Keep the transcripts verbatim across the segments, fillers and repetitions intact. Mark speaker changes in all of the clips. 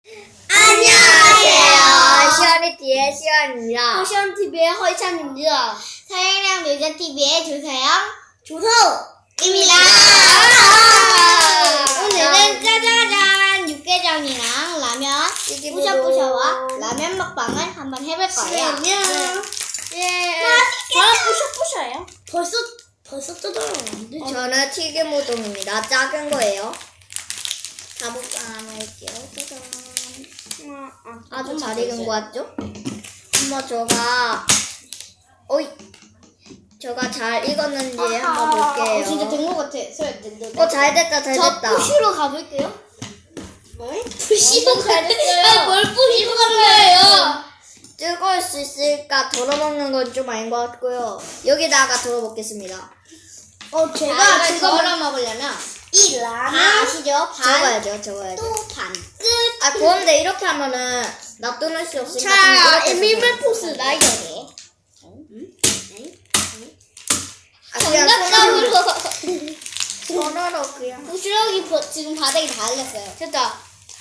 Speaker 1: 안녕하세요. 시원이티비의 시원입니다.
Speaker 2: 시원티비의 허이찬입니다.
Speaker 1: 서영이랑 놀자티비의 조서영,
Speaker 2: 조서입니다.
Speaker 1: 오늘은 짜자잔 육개장이랑 라면, 뿌셔뿌셔와 라면 먹방을 한번 해볼 거예요.
Speaker 2: 예.
Speaker 1: 저는 뿌셔뿌셔예요.
Speaker 2: 벌써 벌써 뜯어놨는데?
Speaker 1: 저는 튀김우동입니다. 작은 거예요. 가볼까 할게요. 짜잔. 아주 잘 익은 거 같죠? 한번 저가 어이 저가 잘 익었는지 한번 볼게요.
Speaker 2: 어, 진짜 된 거 같아.
Speaker 1: 어, 잘 됐다, 잘
Speaker 2: 저
Speaker 1: 됐다.
Speaker 2: 푸시로 가볼게요.
Speaker 1: 뭘?
Speaker 2: 푸시로
Speaker 1: 잘 됐어요.
Speaker 2: 아니, 뭘 푸시로 가는 거예요?
Speaker 1: 뜨거울 수 있을까 덜어먹는 건 좀 아닌 것 같고요. 여기다가 덜어먹겠습니다.
Speaker 2: 어, 제가
Speaker 1: 아,
Speaker 2: 지금
Speaker 1: 덜어 먹으려면
Speaker 2: 이
Speaker 1: 반
Speaker 2: 라면
Speaker 1: 아시죠? 적어야죠, 적어야죠.
Speaker 2: 또 반 끝.
Speaker 1: 아, 그런데 이렇게 하면은 놔두는 수 없으니까
Speaker 2: 자,
Speaker 1: 좀 이렇게
Speaker 2: 에밀맨
Speaker 1: 해서
Speaker 2: 포스 나이저네.
Speaker 1: 아, 그냥
Speaker 2: 정답감으로.
Speaker 1: 손으로 손으로 그냥.
Speaker 2: 부스러기 버- 지금 바닥에 다 흘렸어요.
Speaker 1: 됐다.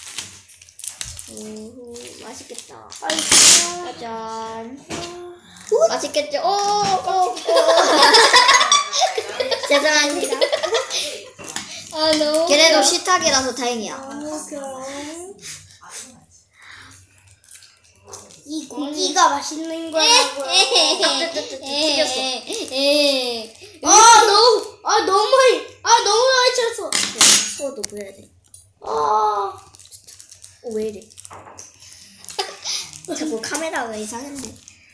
Speaker 1: 오, 맛있겠다. 짜잔. 맛있겠죠? 오, 오, 오. 죄송합니다.
Speaker 2: 아, 너무.
Speaker 1: 걔네도 식탁이라서 다행이야.
Speaker 2: 이 고기가 맛있는 거라고요.
Speaker 1: 튀겼어.
Speaker 2: 아, 너무, 아, 너무 많이, 아, 너무 많이 쳤어.
Speaker 1: 소도 보여야 돼.
Speaker 2: 아,
Speaker 1: 어, 왜 이래? 자꾸 카메라가 이상한데.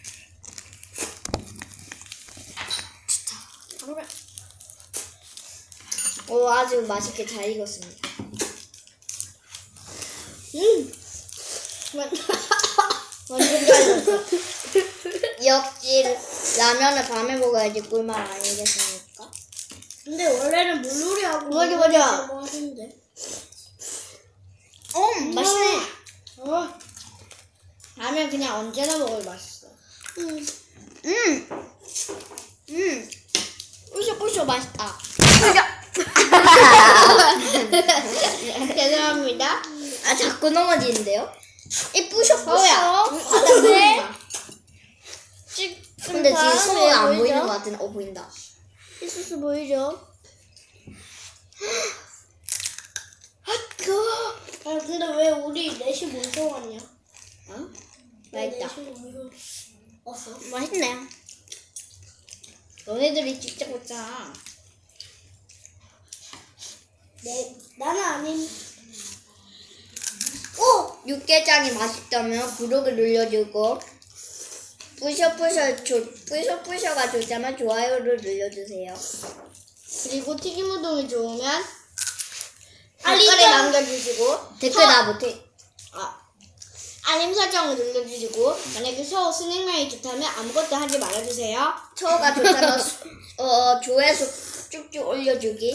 Speaker 1: 오, 아주 맛있게 잘 익었습니다.
Speaker 2: 음.
Speaker 1: 완전 잘익었어. 역시 라면을 밤에 먹어야지 꿀맛 아니겠습니까?
Speaker 2: 근데 원래는 물놀이하고
Speaker 1: 맞아, 맞아.
Speaker 2: 뭐 하는데?
Speaker 1: 어, 맛있네.
Speaker 2: 어,
Speaker 1: 라면 그냥 언제나 먹어도 맛있어.
Speaker 2: 음.
Speaker 1: 음, 음, 뿌셔뿌셔 맛있다.
Speaker 2: 죄송합니다.
Speaker 1: 아, 자꾸 넘어지는데요? 이 뿌셔뿌셔.
Speaker 2: 서우야.
Speaker 1: 네.
Speaker 2: 지-
Speaker 1: 근데 지금
Speaker 2: 다음에
Speaker 1: 서우 안
Speaker 2: 보이죠?
Speaker 1: 보이는 것 같은데, 어, 보인다.
Speaker 2: 이소스 보이죠? 아, 그. 아, 근데 왜 우리 넷이 모여서 왔냐?
Speaker 1: 어?
Speaker 2: 왜
Speaker 1: 맛있다.
Speaker 2: 넷이 모여서 왔어?
Speaker 1: 맛있네. 너네들이 직접 먹잖아.
Speaker 2: 네, 나는 아닌. 오!
Speaker 1: 육개장이 맛있다면 구독을 눌러주고 뿌셔뿌셔 조, 뿌셔뿌셔가 좋다면 좋아요를 눌러주세요.
Speaker 2: 그리고 튀김우동이 좋으면
Speaker 1: 댓글에
Speaker 2: 알림
Speaker 1: 남겨주시고 댓글
Speaker 2: 서-
Speaker 1: 나 못해.
Speaker 2: 아, 알림 설정을 눌러주시고 만약에 서우 스낵면이 좋다면 아무것도 하지 말아주세요.
Speaker 1: 처가 좋다면 수- 어, 조회수 쭉쭉 올려주기.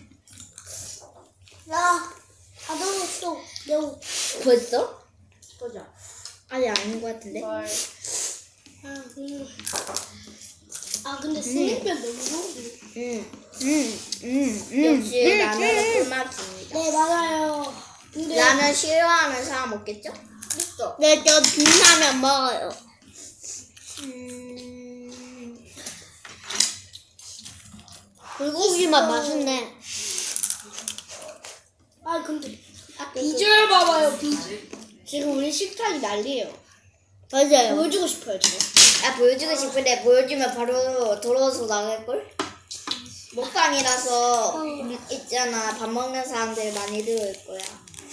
Speaker 2: 나 가져올 또 매우
Speaker 1: 벌써?
Speaker 2: 보자.
Speaker 1: 아직 아닌 것 같은데.
Speaker 2: 아, 음. 아 근데 스낵면 너무 좋은데.
Speaker 1: 음, 음, 음, 음. 역시 라면은 꿀맛입니다.
Speaker 2: 네 맞아요. 근데
Speaker 1: 라면 싫어하는 사람 없겠죠?
Speaker 2: 있어.
Speaker 1: 네, 저 진라면 먹어요. 음... 불고기만 맛있네.
Speaker 2: 아 근데 비주얼 봐봐요 비주얼. 지금 우리 식탁이 난리예요.
Speaker 1: 맞아요.
Speaker 2: 보여주고 싶어요 지금.
Speaker 1: 아, 보여주고 싶은데 보여주면 바로 돌아서 나갈걸? 먹방이라서 음, 있잖아. 밥 먹는 사람들 많이 들어올 거야.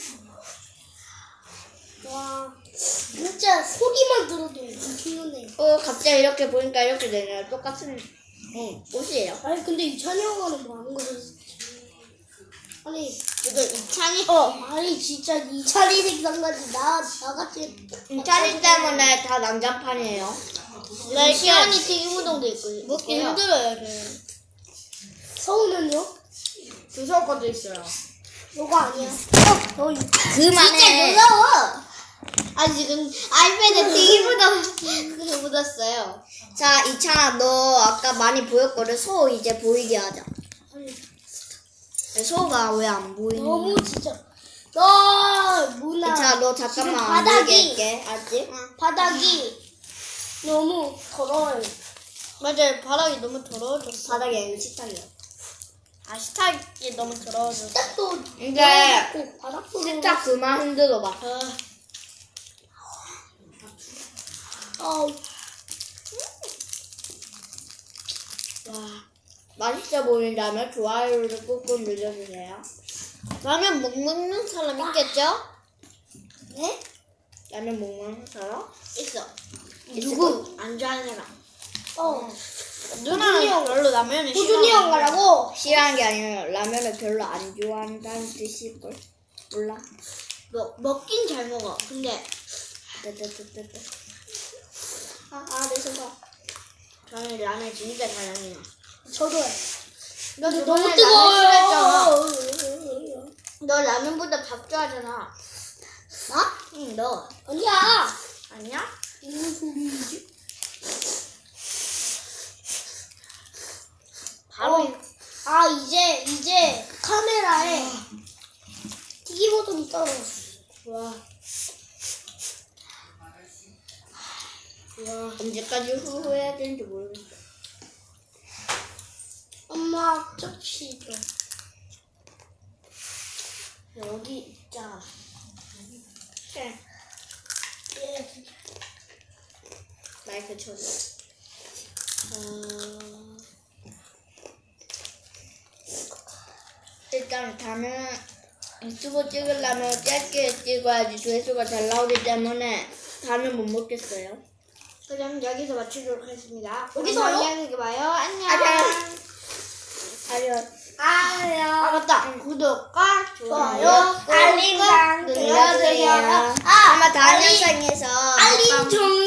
Speaker 2: 와 진짜 소리만 들어도 엄청나네.
Speaker 1: 어, 갑자기 이렇게 보니까 이렇게 되네요. 똑같은 응, 옷이에요.
Speaker 2: 아니 근데 이찬이 형아는 뭐 하는 거지? 아니
Speaker 1: 이거 이찬이
Speaker 2: 어 아니 진짜 이찬이 생각나지 나 나같이
Speaker 1: 이찬이 때문에 다 난장판이에요.
Speaker 2: 나 시원이 튀김우동도 있고
Speaker 1: 먹기
Speaker 2: 있고요.
Speaker 1: 힘들어요, 저는.
Speaker 2: 서우는요?
Speaker 1: 주소 것도 있어요.
Speaker 2: 너가 아니야. 어, 너
Speaker 1: 그만해.
Speaker 2: 진짜 무서워. 아 지금 아이패드 튀김우동 그게 묻었어요.
Speaker 1: 자, 이찬아, 너 아까 많이 보였거든. 소 이제 보이게 하자.
Speaker 2: 아니
Speaker 1: 소가 왜 안 보이니?
Speaker 2: 너무 진짜
Speaker 3: 너 문화.
Speaker 1: 자, 너
Speaker 3: 지금
Speaker 1: 잠깐만 안
Speaker 3: 바닥이-
Speaker 1: 보게 할게. 알지?
Speaker 3: 바닥이 너무 더러워요.
Speaker 2: 맞아요. 바닥이 너무 더러워졌어.
Speaker 1: 바닥이 아니고 식탁이야.
Speaker 2: 아, 식탁이 너무 더러워졌어.
Speaker 3: 식탁도
Speaker 1: 이제
Speaker 3: 더럽고 바닥도
Speaker 1: 식탁 그만 흔들어봐.
Speaker 2: 아,
Speaker 3: 어,
Speaker 2: 와.
Speaker 1: 맛있어 보인다면 좋아요를 꾹꾹 눌러주세요.
Speaker 2: 라면 못 먹는 사람 있겠죠?
Speaker 3: 네?
Speaker 1: 라면 못 먹는 사람?
Speaker 2: 있어.
Speaker 3: 누구?
Speaker 2: 안 좋아하는 사람.
Speaker 3: 어,
Speaker 2: 누나는
Speaker 3: 형.
Speaker 2: 별로 라면을
Speaker 3: 호준이 형 가라고.
Speaker 1: 싫어하는 게 아니라 라면을 별로 안 좋아한다는 뜻일걸? 몰라.
Speaker 2: 뭐, 먹긴 잘 먹어. 근데
Speaker 1: 뜨뜨뜨뜨뜨.
Speaker 3: 아, 아, 내 손가.
Speaker 2: 저는 라면 진짜 잘 먹어요.
Speaker 3: 저도요.
Speaker 2: 너
Speaker 3: 근데
Speaker 2: 저번에
Speaker 3: 너무
Speaker 2: 라면
Speaker 3: 뜨거워요.
Speaker 2: 너 라면보다 밥 좋아하잖아.
Speaker 3: 나?
Speaker 2: 응, 너.
Speaker 3: 아니야.
Speaker 2: 아니야?
Speaker 3: 무슨 소리지?
Speaker 2: 바로
Speaker 3: 어. 아, 이제, 이제 카메라에 튀기 버튼이 떨어졌어.
Speaker 2: 와. 와.
Speaker 1: 언제까지 후회해야 되는지 모르겠어.
Speaker 3: 엄마, 접시 좀.
Speaker 2: 여기 있자.
Speaker 3: 예.
Speaker 1: 마이크 쳐줘.
Speaker 2: 어...
Speaker 1: 일단 다음에 유튜브 찍으려면 짧게 찍어야지 조회수가 잘 나오기 때문에 다음에 못 먹겠어요.
Speaker 2: 그럼 여기서 마치도록 하겠습니다.
Speaker 3: 여기서요?
Speaker 2: 안녕히 봐요. 안녕.
Speaker 1: 안녕. 아니요.
Speaker 3: 아야.
Speaker 2: 아 맞다. 구독과 좋아요,
Speaker 3: 좋아요, 알림
Speaker 2: 꾹꾹
Speaker 3: 장
Speaker 1: 눌러주세요.
Speaker 3: 눌러주세요.
Speaker 1: 아마 다음
Speaker 3: 알림-
Speaker 1: 영상에서
Speaker 3: 알림 좀